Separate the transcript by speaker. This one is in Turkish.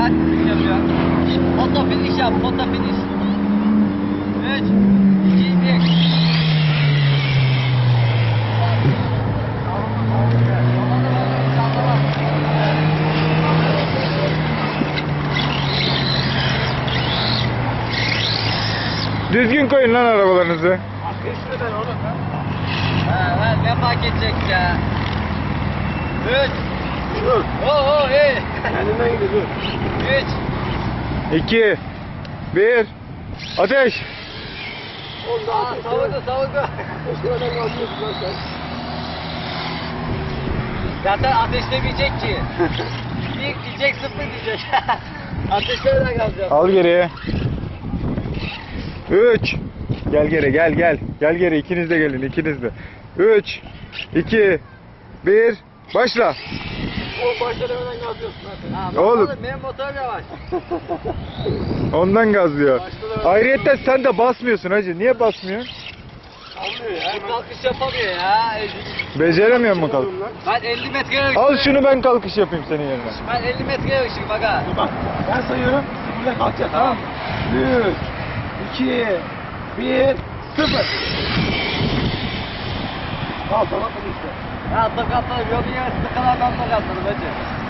Speaker 1: Kaç finish yapıyor? Foto finish yap, foto finish. 3, 2, 1.
Speaker 2: Düzgün koyun lan arabalarınızı.
Speaker 1: Arkadaşlar ben oğlum ben. Ha ne fark edecek ya? 3.
Speaker 3: Dur.
Speaker 1: Oo iyi.
Speaker 3: Kendinden gidiyor dur.
Speaker 1: 3.
Speaker 2: 2 1 Ateş.
Speaker 3: Oğlum daha ateş.
Speaker 1: Savurdu.
Speaker 3: Eşkıradan kalkıyorsun lan sen.
Speaker 1: Zaten ateşlemeyecek ki. 1 diyecek, 0 diyecek. Ateşlerden kalacağız.
Speaker 2: Al geriye. 3 Gel geri gel. Gel geri, ikiniz de gelin, ikiniz de. 3 2 1 Başla.
Speaker 3: Oğlum başta demeden kalkıyorsun lan sen.
Speaker 1: Ha,
Speaker 2: Oğlum.
Speaker 1: Benim motor yavaş.
Speaker 2: Ondan gazlıyor. Ayrıca sen de basmıyorsun hacı. Niye basmıyorsun?
Speaker 3: Anlıyor ya.
Speaker 1: Ben kalkış yapamıyor ya.
Speaker 2: Beceremiyor mu kalk?
Speaker 1: Ben 50 metre yarışım.
Speaker 2: Al şunu, ben kalkış yapayım senin yerine.
Speaker 1: Ben 50 metre yarışım bak ha.
Speaker 3: Bak ben sayıyorum. Buradan kalkacağız tamam mı? 3 2 1 0. Kalk tamam mı işte?
Speaker 1: Ya atla katlarım. Yolun yarısında kadar ben de katlarım hacı.